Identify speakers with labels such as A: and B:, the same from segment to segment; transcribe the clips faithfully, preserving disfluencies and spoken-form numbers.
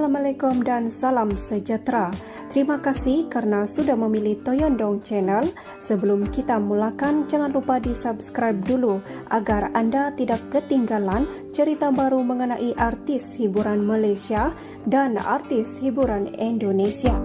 A: Assalamualaikum dan salam sejahtera. Terima kasih kerana sudah memilih Toyondong Channel. Sebelum kita mulakan, jangan lupa di-subscribe dulu agar anda tidak ketinggalan cerita baru mengenai artis hiburan Malaysia dan artis hiburan Indonesia.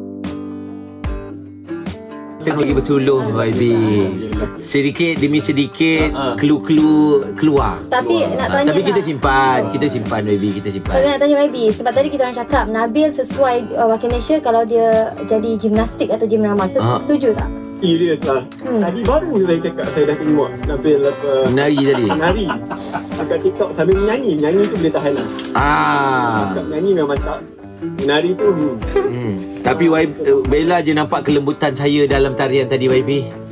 B: Kita bagi bersuluh Y B. Sedikit demi sedikit clue-clue keluar.
C: Tapi nak tanya
B: Tapi kita
C: lah.
B: simpan, kita simpan Y B, kita simpan.
C: Tapi nak tanya Y B, sebab tadi kita orang cakap Nabil sesuai uh, wakil Malaysia kalau dia jadi gimnastik atau gymnama.
B: Ah.
C: Setuju tak?
D: Serius lah.
C: Hmm.
D: Tadi baru saya cakap saya dah tengok Nabil apa
B: Menari tadi.
D: menari dekat TikTok sambil menyanyi. Menyanyi tu boleh tahan lah.
B: Ah.
D: Dekat menyanyi memang tak. Menari tu hmm.
B: Hmm. Tapi Y B, uh, Bella je nampak kelembutan saya dalam tarian tadi Y B.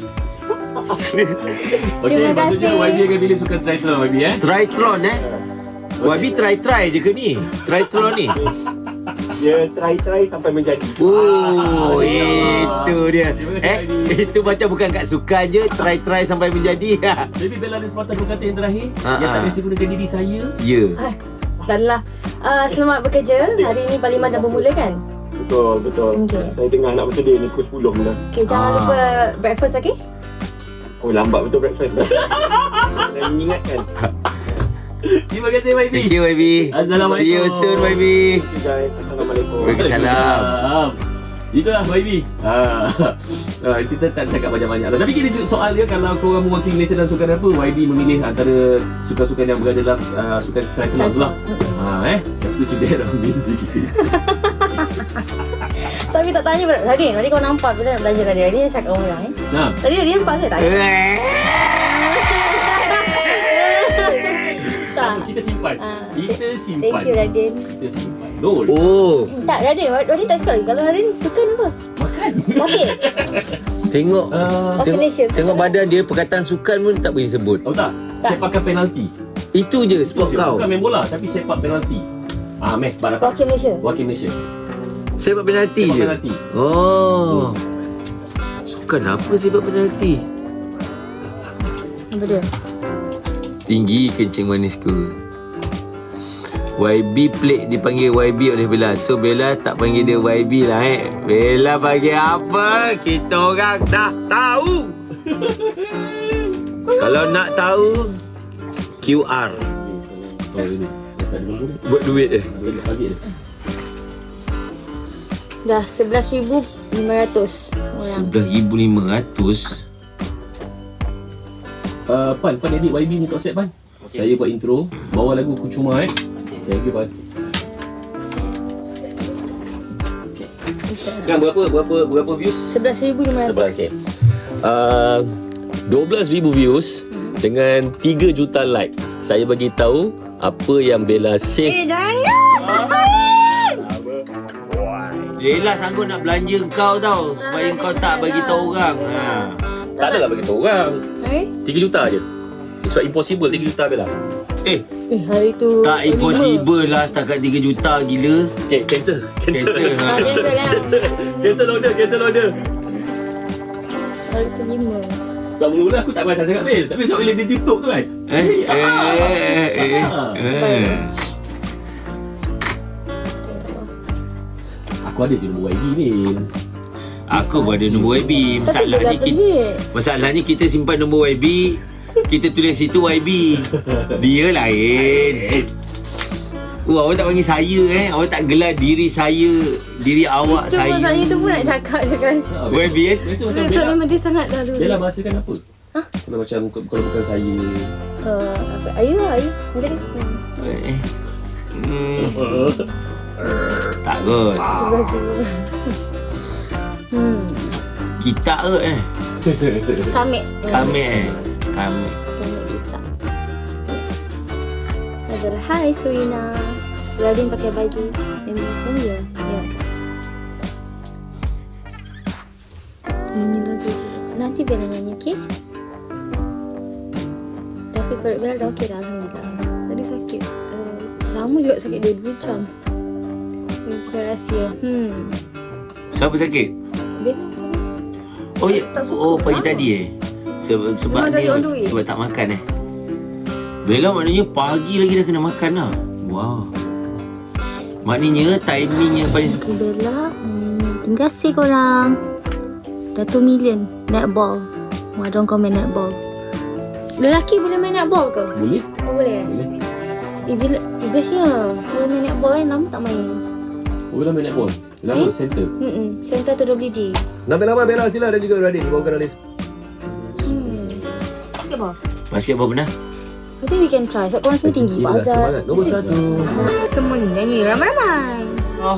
E: Okey,
C: Terima
E: maksudnya
C: kasih.
E: Y B akan pilih sukan triathlon Y B eh?
B: Triathlon eh. Y B try-try je ke ni? Triathlon ni.
D: Dia try-try sampai menjadi.
B: Oh,
E: Ah,
B: itu dia.
E: Terima kasih,
B: Eh,
E: Y B.
B: itu macam bukan kat sukan je, try-try sampai menjadi.
E: Jadi Bella ada sepatah berkata yang terakhir
B: Ah,
E: yang tak
B: ah.
E: biasa gunakan diri saya.
B: Ya.
C: Ah, dah lah. Uh, selamat bekerja. Hari ini Parlimen dah bermula kan?
D: Betul, betul.
C: Okey.
D: Saya tengah nak bersedia ni pukul sepuluh dah.
C: Okay, jangan
B: Ah.
C: lupa breakfast, okay?
D: Oh, lambat betul breakfast dah. Saya mengingatkan.
E: Terima kasih Y B.
B: Thank you Y B.
E: Assalamualaikum.
B: See you soon Y B.
D: Okay guys, Assalamualaikum.
B: Waalaikumsalam.
E: Waalaikumsalam. Itulah Y B. Ah. Ah, kita tak cakap banyak-banyak lah. Tapi kini soal dia, kalau korang mewakili Malaysia dalam sukan apa, Y B memilih antara sukan-sukan yang berada dalam uh, sukan triathlon tu lah. Ha, eh, especially daerah music.
C: Tapi tak tanya pada Radin. Radin kau nampak bila nak belajar Radin. Radin cakap orang eh.
E: Ha.
C: Tadi Radin nampak ke tak? Tak.
E: Kita simpan.
C: Ah.
E: Kita simpan.
C: Thank you Radin.
E: Kita simpan. Dol.
B: Oh,
C: Tak Radin. Radin tak suka lagi. Kalau Radin suka apa?
E: Makan.
C: Okey.
B: tengok
E: Ah,
C: Wakil
B: tengok,
C: Malaysia.
B: tengok badan dia, perkataan sukan pun tak boleh sebut.
E: tahu tak?
C: Tak.
E: Sepakan penalti.
B: Itu je sport
E: Itu je.
B: kau.
E: Bukan main bola tapi sepak penalti. Ah, meh, bar dapat.
C: Wakil Malaysia.
E: Wakil Malaysia.
B: Sepak penalti
E: Sepak
B: je.
E: penalti.
B: Oh. Sukan apa sepak penalti?
C: Apa dia?
B: Tinggi kencing manisku. Y B plate dipanggil Y B oleh Bella. So Bella tak panggil dia Y B lah eh. Bella panggil apa? Kita orang dah tahu. Kalau nak tahu, Q R.
E: Oh, ini. Tak ada bungkus.
B: Buat duit eh.
E: Duit nak bagi dia.
C: Dah sebelas ribu lima ratus orang.
B: sebelas ribu lima ratus.
E: Uh, Pan, Pan edit Y B ni tak set Pan. Saya buat intro, bawa lagu Kucuma eh. Thank you Pan. Okay. Sekarang berapa berapa berapa views?
C: sebelas ribu lima
E: Sebelah
C: ratus.
E: okay. Uh, dua belas ribu views dengan tiga juta like. Saya bagi tahu apa yang Bella save.
C: Eh jangan.
B: Bella sanggup nak belanja kau tau, supaya
C: Ah,
B: kau
C: dia
B: tak
C: dah
B: bagi
C: lah.
B: tahu orang. Ha.
E: Tak adalah bagi tahu orang.
C: Eh?
E: tiga juta je. Sebab impossible tiga juta Bella.
B: Eh,
C: Eh hari tu
B: tak impossible lah setakat tiga juta, gila.
E: Okay, cancel. Cancel.
B: Cancel, ha.
C: Ah, cancel lah.
E: Cancel order, cancel order.
C: Hari tu lima.
E: Sebab mula-mula aku tak perasan sangat Bil. Tapi sebab bila dia tutup tu kan.
B: Eh, eh, eh, eh,
E: Ah.
B: eh.
E: Aku ada je nombor Y B ni.
B: Aku pun ada nombor Y B.
C: Satu
B: Masalahnya
C: bulan
B: kita,
C: pelik.
B: masalahnya kita simpan nombor Y B, kita tulis situ Y B. Dia lain. Oh, awak tak panggil saya eh. Awak tak gelar diri saya, diri awak
C: Itu
B: saya.
C: pun saya tu pun nak cakap je kan.
B: Y B kan?
E: Biasa macam
C: So
E: Bella.
C: memang dia sangat dah lulus.
E: Bella bahasakan apa?
C: Ha?
E: Kalau macam kalau bukan saya.
C: Uh, apa? Ayu lah Ayu. Macam ni.
B: Eh. Hmm, tak kot.
C: Sebelah sebelah. Hmm.
B: Kita kot eh.
C: Kamik.
B: Kami eh. Kami.
C: Kamik kita. Adalah hai Surina. Radin pakai baju. Oh ya. Ya. Ini lagu juga. Nanti Bella nyanyi, okey? Tapi perut Bella dah okey dah, Alhamdulillah. Tadi sakit. Uh, lama juga sakit dia dua jam. Ini macam rahsia. Hmm.
B: Siapa sakit?
C: Bella.
B: Oh ya.
C: Tak suka.
B: Oh pagi
C: Lama.
B: tadi eh. Sebab sebab
C: Memang dari
B: ni
C: on the way.
B: sebab tak makan eh. Bella maknanya pagi lagi dah kena makan lah. Wow. Maknanya timing yang paling
C: Bella, hmm, terima kasih korang. Dah two million netball. Wah, ada orang komen netball. Lelaki boleh main netball ke?
E: Boleh?
C: Oh, boleh.
E: Boleh.
C: Eh, bila, eh bestnya. Kalau main netball kan, lama tak main.
E: Oh, Bella main netball? Lama
C: Eh?
E: center?
C: Hmm, center tu W D.
E: Nama-nama Bella Sila dan juga Radin dibawakan oleh
C: Hmm. Basketball.
B: basketball pernah.
C: I think we can try. Sebab korang semua tinggi. Pak
E: Inilah
C: Azad.
E: semangat nombor satu.
C: Semua ni nyanyi ramai-ramai.
B: Oh.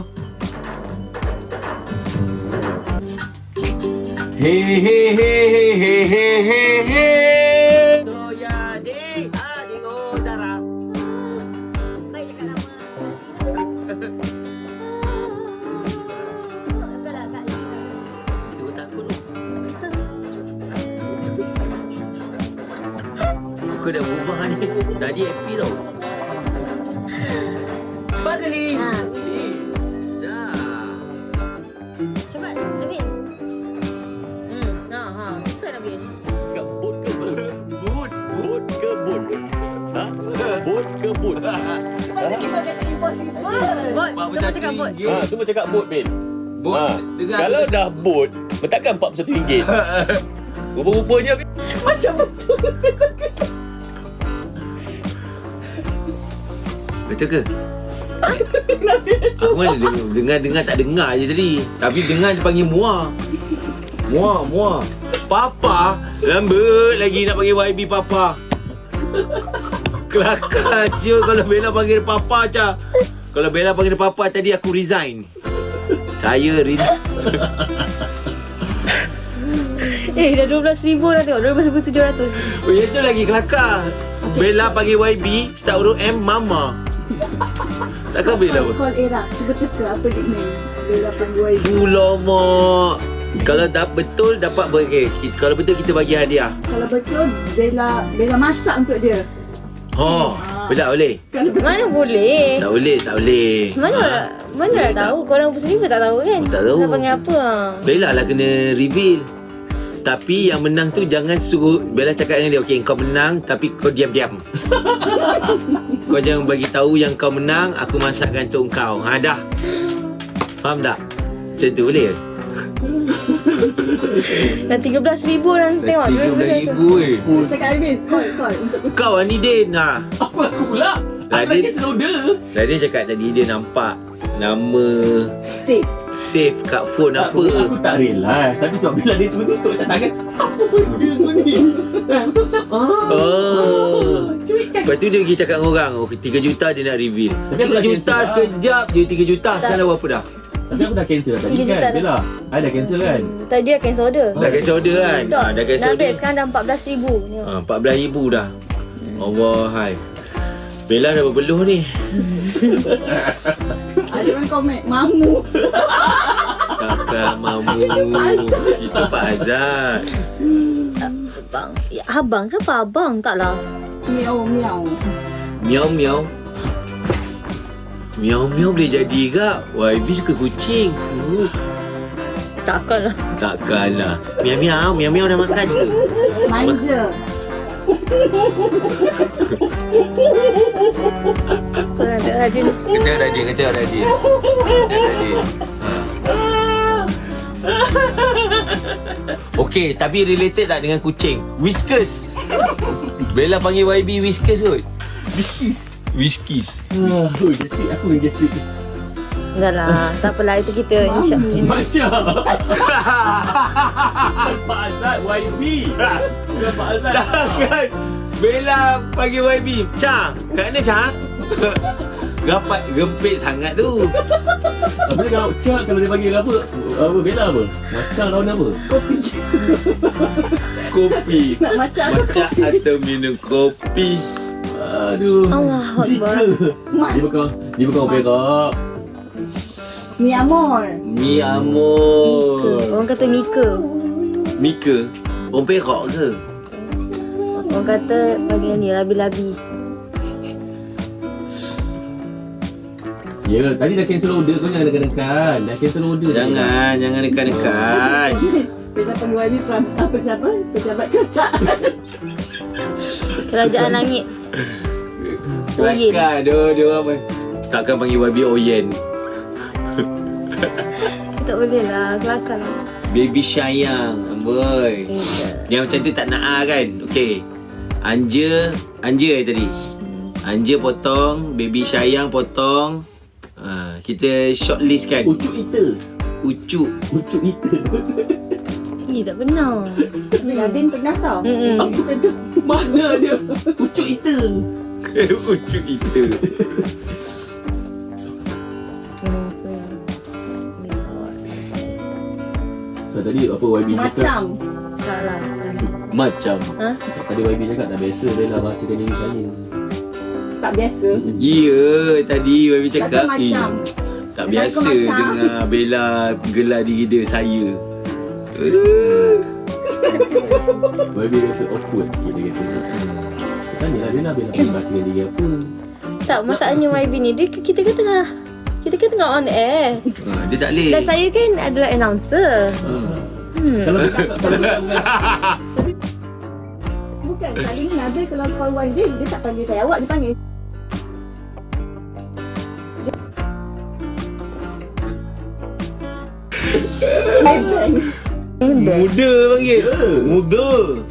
B: Hey hey hey hey hey hey hey hey. Doya di adik Ozara.
C: Baik cakap nama.
B: Aku takut. Aku dah berubah ni. Tadi happy tau. Fadli.
C: Ha,
B: Dah.
C: cepat. Nabil. Hmm, ha, ha. Sesuai Nabil.
E: Cakap bot ke bot?
B: Boot.
E: Bot ke bot? Ha? Bot ke bot?
C: Bot.
B: Pak
C: Semua cakap bot.
B: ringgit.
E: Ha, semua cakap bot, Ben.
B: Bot.
E: Ha.
B: Dengar
E: Kalau
B: tu.
E: dah bot, letakkan empat puluh satu ringgit. Rupa-rupanya
B: Betul ke? Aku mana dengar- dengar-dengar tak dengar je tadi. Tapi dengar dia panggil Muah. Muah, Muah. Papa, lambat lagi nak panggil Y B Papa. Kelakar siul kalau Bella panggil Papa je. Kalau Bella panggil Papa tadi aku resign. Saya resign.
C: Eh, dah dua belas ribu dah tengok. dua belas ribu tujuh ratus.
B: Oh, yang tu lagi kelakar. Bella panggil Y B, start huruf M, Mama. Takkan Bella apa?
F: Call Era. Cuba teka apa nickname Bella panggil Y B.
B: Ulamak. Kalau tak betul dapat ber- eh, kita, kalau betul kita bagi hadiah.
F: Kalau betul Bella Bella masak untuk dia.
B: Oh, Bella boleh?
F: Kalau
C: Mana boleh?
B: Tak boleh, tak boleh.
C: Mana
B: Ha.
C: nak, mana nak tahu? Korang sendiri pun tak tahu kan?
B: Tak tahu.
C: Nak panggil apa? Ha?
B: Bella lah kena reveal. Tapi yang menang tu jangan suruh Bella cakap dengan dia, okey kau menang tapi kau diam-diam. Kau jangan bagi tahu yang kau menang, aku masakkan untuk kau. Ha dah. Faham tak? Macam tu boleh ke?
C: Dah tiga belas ribu orang tengok.
B: tiga belas ribu eh.
F: cakap habis, call call untuk pesan.
B: Kau ni Din. Ha.
E: apa aku pula? Aku dah
B: Radin.
E: cancel order.
B: Radin cakap tadi dia nampak nama
F: Safe.
B: save kat phone
E: Tak,
B: apa.
E: Aku tak realize. Tapi sebab bila dia tutup macam tangan, apa benda kau ni? Eh, betul macam ah.
B: Oh.
E: Cuy, cakap.
B: Lepas tu dia pergi cakap dengan orang, oh tiga juta dia nak reveal.
E: Tapi aku
B: tiga
E: dah
B: juta
E: cancel lah.
B: sekejap je tiga juta. Sekarang dah berapa dah?
E: Tapi aku dah cancel dah tadi
C: tiga juta
E: kan.
C: dah.
E: Bella, I dah cancel kan?
C: Tadi dia cancel order.
B: Dah cancel order kan?
C: Betul.
B: Ha, dah cancel
C: Nabil
B: order.
C: sekarang dah empat belas ribu.
B: Ha, empat belas ribu dah. Allah hai. Bella dah berbeluh ni.
F: Ada orang komen mamu.
B: Kakak mamu. Itu Pak Azad.
C: Abang. Ya, abang. Kenapa abang? Taklah.
F: Miau miau.
B: Miau miau. Miau miau boleh jadi kak. Y B suka kucing. Uh,
C: Takkanlah.
B: takkanlah. Miau miau. Miau miau dah makan ke?
F: Manja.
C: Kau nak tengok Radin.
B: Kata Radin, kata Radin. Kata Radin. Ha. Okey, tapi related tak dengan kucing? Whiskers. Bella panggil Y B Whiskers kot.
E: Biskis.
B: Whiskies.
E: Ah, oh, gastrik. Aku yang gastrik.
C: Dah lah. Tak apalah. Itu kita insya-Allah.
E: Macam Pak Azad Y B. Bukan Pak Azad.
B: Takkan Bella panggil Y B. Cha, kat mana Cha? Rapat gempit sangat tu.
E: Apa dia kalau Cak kalau dia panggil apa? Apa Bella apa? Macam lawan apa?
B: Kopi.
F: Nak macam
B: Macam atau minum kopi.
E: Aduh.
C: Allahu Akbar.
F: Mas.
E: Dia bukan dia bukan berak.
F: Mi amor.
B: Mi amor.
C: Orang kata Mika.
B: Mika. Orang perak ke?
C: Orang kata panggil ni labi-labi.
E: Ya, tadi dah cancel order kau jangan dekat-dekat. Dah cancel order.
B: Jangan, jangan dekat-dekat.
F: Bella panggil Y B peram- apa pejabat? Pejabat kerajaan.
C: Kerajaan langit. Oyen.
B: Kelakar dia, dia orang apa? Takkan panggil Y B Oyen.
C: Tak boleh lah, kelakar lah.
B: Baby sayang, amboi. Yang macam tu tak nak ah kan? Okey. Anja, Anja eh tadi. Anja potong, baby sayang potong. Ha, kita shortlist kan.
E: Ucuk kita.
B: Ucuk.
E: Ucuk kita.
C: Eh, tak pernah.
F: Nadine pernah tau.
C: Mm-mm.
F: Oh, kita tu.
E: Mana dia? Ucuk kita.
B: Ucuk kita.
E: So tadi apa Y B cakap?
F: Macam.
C: Tak lah.
B: Macam.
C: Ha?
E: Tadi Y B cakap tak biasa Bella bahaskan diri saya.
F: Tak biasa.
B: Ya, tadi Baby
F: Kata
B: cakap
F: macam.
B: eh, tak
F: Saya
B: biasa
F: kau macam.
B: dengar Bella gelar diri dia saya.
E: Y B rasa awkward sikit dia kata. Saya tanya lah Bella, Bella boleh bahaskan diri apa?
C: Tak, masalahnya Y B ni, dia, kita kan tengah kita kan tengah on air.
B: Ha, dia tak boleh.
C: Dan saya kan adalah announcer.
B: Hmm.
C: Hmm.
E: Kalau dia tak kalau dia tak
F: Bukan, kali ni Nabil kalau call Y D, dia tak panggil saya awak, dia panggil. Nebeng.
C: Hebat.
B: Muda panggil. Muda.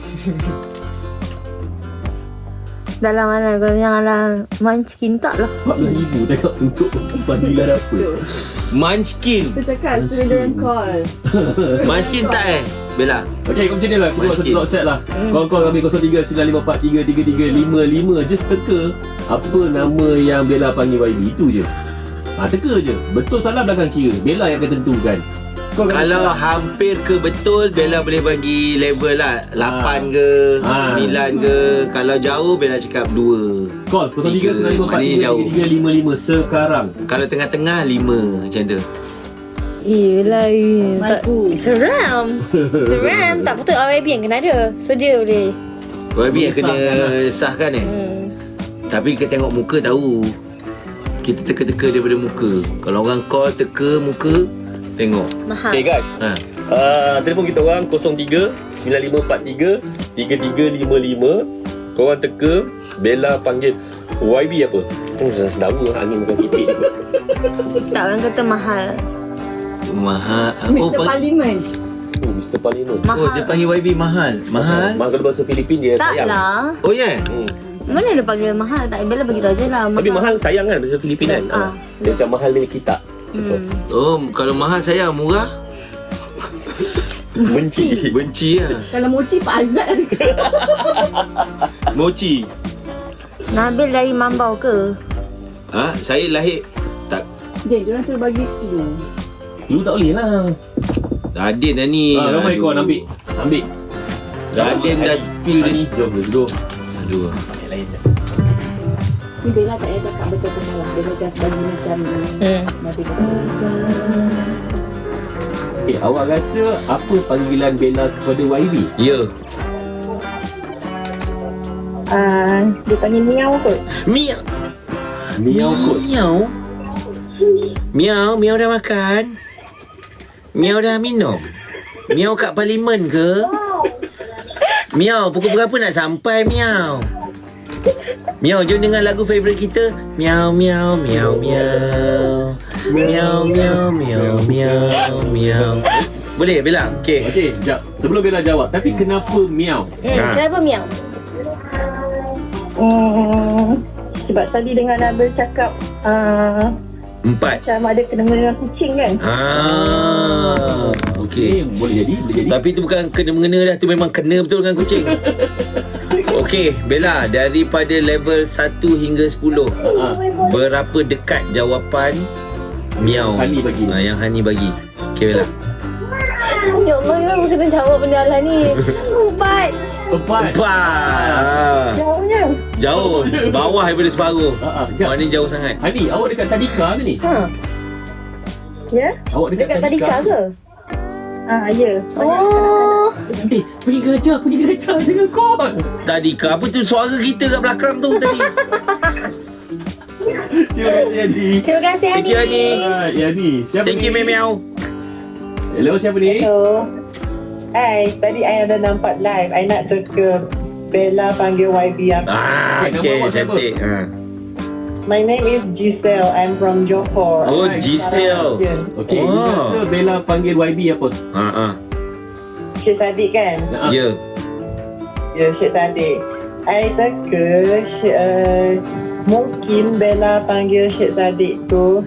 C: Dalam mana kau janganlah munchkin tak lah.
E: empat belas ribu tengok untuk panggilan apa.
B: Munchkin.
F: Dia cakap suruh dia orang call.
B: Munchkin tak eh? Bella.
E: Okey, kau macam ni lah. Kita buat satu
B: Munchkin.
E: talk set lah. Call-call kami kosong tiga sembilan lima empat tiga tiga tiga lima lima. Just teka apa nama yang Bella panggil Y B. Itu je. Ha, teka je. Betul salah belakang kira. Bella yang akan tentukan. Kau akan
B: Kalau
E: cakap,
B: hampir ke betul, Bella boleh bagi level lah lapan ke,
E: Ah.
B: sembilan ke. Kalau jauh, Bella cakap dua.
E: call kosong tiga sembilan lima empat
B: Mana
E: tiga
B: jauh?
E: tiga tiga lima lima sekarang.
B: Kalau tengah-tengah, lima. Macam tu.
C: Yelah, eh. tak,
F: Maiku.
C: seram. Seram. Tak patut Y B yang kena ada. So dia boleh.
B: Y B yang kena
E: Sahkan lah.
B: sahkan eh.
C: Hmm.
B: Tapi kita tengok muka tahu. Kita teka-teka daripada muka. Kalau orang call teka muka, tengok.
C: Mahal.
E: Okay guys,
B: Ha.
E: uh, telefon kita orang kosong tiga sembilan lima empat tiga tiga tiga lima lima. Korang teka Bella panggil Y B apa? Oh, dah sedawa angin bukan kipik.
C: Tak, orang kata mahal.
B: Mahal. Oh,
F: Mister
B: pang-
F: Parliament.
E: Oh, Mister Parliament.
B: oh,
C: Mahal.
B: dia panggil Y B mahal. Mahal?
E: Mahal kalau bahasa Filipin dia
C: Tak
E: sayang.
C: lah.
B: Oh ya? Yeah?
E: Hmm.
C: Mana dia panggil mahal? Tak, Bella beritahu je lah.
E: Tapi mahal sayang kan bahasa Filipin kan?
C: Ah.
E: Ah. Dia macam mahal dia kita. Contoh.
C: Hmm.
B: Oh, kalau mahal saya murah.
E: Benci.
B: Benci lah.
F: Kalau mochi Pak Azad ada.
B: Mochi.
C: Nabil dari Mambau ke?
B: Ha, saya lahir tak.
F: Dia, dia orang suruh bagi clue.
E: Lu tak boleh lah.
B: Radin dah ni.
E: Ah, ramai
B: Aduh.
E: kawan ambil. Ambil.
B: Radin dah spill dia.
E: Ni, jom let's go.
B: Aduh.
E: Lain.
F: Ni Bella tak payah cakap betul ke salah. Dia macam bagi macam
C: Hmm.
F: Nabil cakap.
E: Okay, awak rasa apa panggilan Bella kepada Y B?
B: Ya.
G: Ah, dia panggil miau kot.
B: Miau.
E: Miau kot.
B: Miau. Miau, miau dah makan. Miau dah minum. Miau kat parlimen ke? Miau, pukul berapa nak sampai Miau? Miau, jom dengar lagu favourite kita. Miau, miau, miau, miau. Miau, miau, miau, miau, miau. Boleh, Bella? Okey.
E: Okey, sekejap. Sebelum Bella jawab, tapi kenapa miau?
C: Hmm.
B: Ha.
C: Kenapa miau?
G: Hmm, sebab tadi dengan Nabil cakap uh,
B: Empat.
G: macam ada kena-mena dengan kucing kan.
B: Ah, okey.
E: Okay, boleh jadi, boleh jadi.
B: Tapi tu bukan kena-mengena dah, tu memang kena betul dengan kucing. Okey, Bella, daripada level satu hingga sepuluh,
E: Ah,
B: berapa dekat jawapan miau
E: Hani bagi.
B: Ah, yang Hani bagi. Okey, Bella.
C: Ya Allah, kenapa kena jawab benda lah ni? Empat.
E: Empat.
B: Empat. Ah,
G: Jauhnya.
B: jauh. Bawah daripada separuh.
E: Ah, ah, jap.
B: Mana jauh sangat.
E: Hani, awak dekat Tadika ke ni?
C: Ha.
G: Ya?
E: Awak dekat,
C: Dekat Tadika ke?
G: Ah, ya.
C: Oh.
E: Eh, pergi gajah, pergi gajah. Jangan call.
B: Tadi ke apa tu suara kita kat belakang tu tadi?
E: Terima kasih, Hani.
C: Terima kasih,
B: Thank you, Hani.
E: Ah, ya ni. Siapa
B: Thank you,
E: ni?
B: Miau.
E: Hello, siapa ni?
G: So, hai, tadi I ada nampak live. I nak teka Bella panggil Y B apa.
B: Ah,
E: Okay, nama
B: okey,
E: awak siapa?
B: cantik. Ha.
G: My name is Giselle. I'm from Johor.
B: Oh,
E: Alright.
B: Giselle.
E: Okey,
B: Oh.
E: oh. rasa Bella panggil Y B apa?
B: Ha ah.
G: Syed Saddiq kan?
E: Ha.
B: Ya.
G: Ya, Syed Saddiq. I teka Syed, uh, mungkin Bella panggil Syed Saddiq tu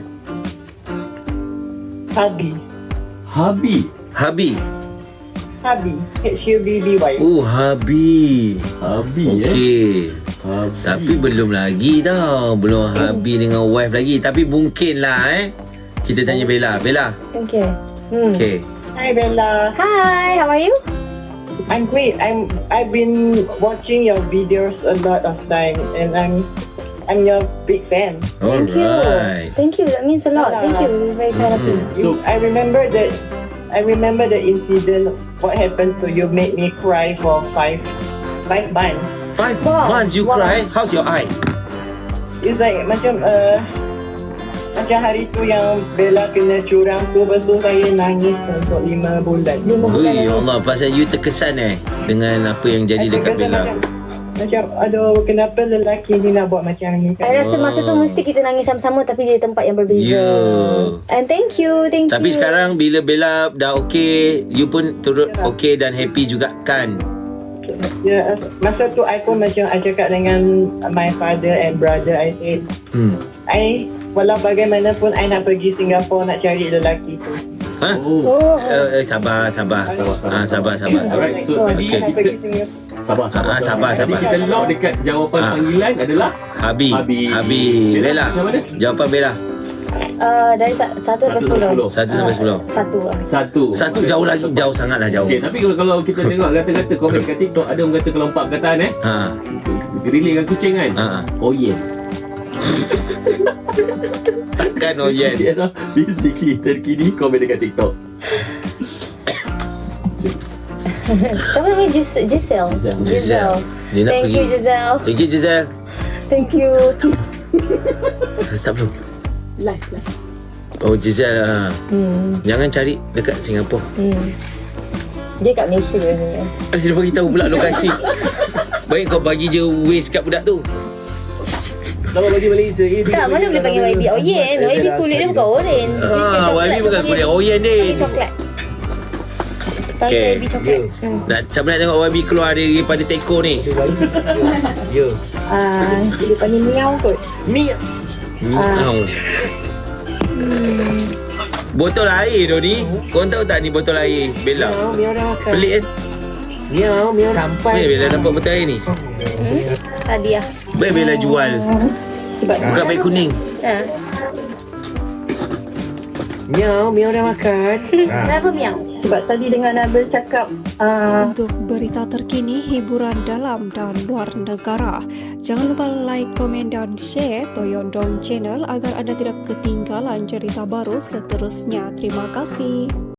G: Habi.
E: Habi.
B: Habi.
G: Habi. H U B B Y.
B: Oh, Habi.
E: Habi eh.
B: Okey.
E: Habi.
B: Tapi belum lagi tau. Belum Habi dengan wife lagi. Tapi mungkin lah eh. Kita tanya Bella. Bella.
C: Okay. Hmm.
B: Okay.
G: Hi Bella.
C: Hi, how are you?
G: I'm great. I'm I've been watching your videos a lot of time and I'm I'm your big fan.
C: Thank
B: Alright.
C: you. Thank you. That means a lot. Thank you. We're very kind of you.
E: So,
G: I remember that I remember the incident what happened to you made me cry for five five months.
B: Five
C: Wow.
B: months you
C: Wow.
B: cry. How's your eye?
G: It's like macam uh, macam hari tu yang Bella kena curang tu, lepas tu saya nangis untuk lima bulan.
C: Lima bulan
B: Ui,
C: nangis.
B: Allah. Pasal you terkesan eh. Dengan apa yang jadi
G: I
B: dekat
G: rasa
B: Bella.
G: Macam, macam aduh kenapa lelaki ni nak buat macam ni
C: I
G: kan?
C: rasa masa tu mesti kita nangis sama-sama tapi di tempat yang berbeza.
B: Ya.
C: And thank you, thank
B: Tapi
C: you.
B: sekarang bila Bella dah okey, you pun turut okey dan happy juga kan?
G: Ya, masa tu I pun macam I cakap dengan my father and brother, I said
B: Hmm.
G: I walau bagaimanapun I nak pergi Singapura nak cari lelaki tu.
B: Ha?
E: oh.
C: Oh.
B: Eh, eh, sabar, sabar.
E: Sabar, sabar,
B: Ah, sabar, sabar.
E: Alright, so
C: Oh,
E: tadi
G: I nak
E: kita
G: pergi Singapura.
E: sabar, sabar.
B: Ah, sabar,
E: Tadi
B: sabar.
E: kita lock dekat jawapan
B: Ah.
E: panggilan adalah
B: Habi.
E: Habi.
B: Habi.
E: Bella,
B: Bella.
E: macam mana?
B: Jawapan Bella.
C: Uh, dari sa- satu sampai
E: Satu sampai
C: sepuluh.
E: sepuluh.
B: Satu sampai sepuluh.
C: Satu lah.
E: Satu.
B: Satu jauh lagi, jauh sangatlah jauh.
E: Okey, tapi kalau, kalau kita tengok kata-kata komen kat TikTok, ada orang kata kalau empat perkataan eh,
B: Ha.
E: relate dengan kucing kan?
B: Ha.
E: Oh yeah.
B: Takkan oh yeah.
E: Dia dah basically terkini komen dekat TikTok.
C: Siapa nama Gis- Giselle?
E: Giselle.
B: Giselle. Dia nak
C: Thank
B: pergi.
C: you Giselle.
B: Thank you Giselle.
C: Thank you.
B: Tak belum.
F: Live lah.
B: Oh Giselle. Ha.
C: Hmm.
B: Jangan cari dekat Singapura.
C: Hmm. Dia kat Malaysia rasanya.
B: Eh, dia bagi tahu pula lokasi. Baik kau bagi je waste kat budak tu.
E: Kalau bagi Malaysia eh, dia
C: Tak, mana boleh panggil Y B Oyen. Y B kulit dia bukan oren.
B: Ah, Y B bukan kulit Oyen dia.
C: Panggil coklat. Panggil
B: Okay.
C: Y B coklat. Hmm.
B: Nak, siapa nak tengok Y B keluar daripada teko ni?
D: Ya.
G: Ah, dia panggil miau kot.
B: Miau. Botol air tu ni. Korang tahu tak ni botol air Bella?
G: Miau dah makan.
B: Pelik kan?
G: Miau, miau sampai.
B: Mana Bella dapat botol air ni?
C: Hmm? Tadi lah.
B: Baik Bella jual. Bukan baik kuning.
C: Ha.
G: Miau, miau dah makan.
C: Kenapa miau?
G: Sebab tadi dengan Nabil cakap ah,
A: Untuk berita terkini, hiburan dalam dan luar negara, jangan lupa like, komen dan share Toyondong Channel agar anda tidak ketinggalan cerita baru seterusnya. Terima kasih.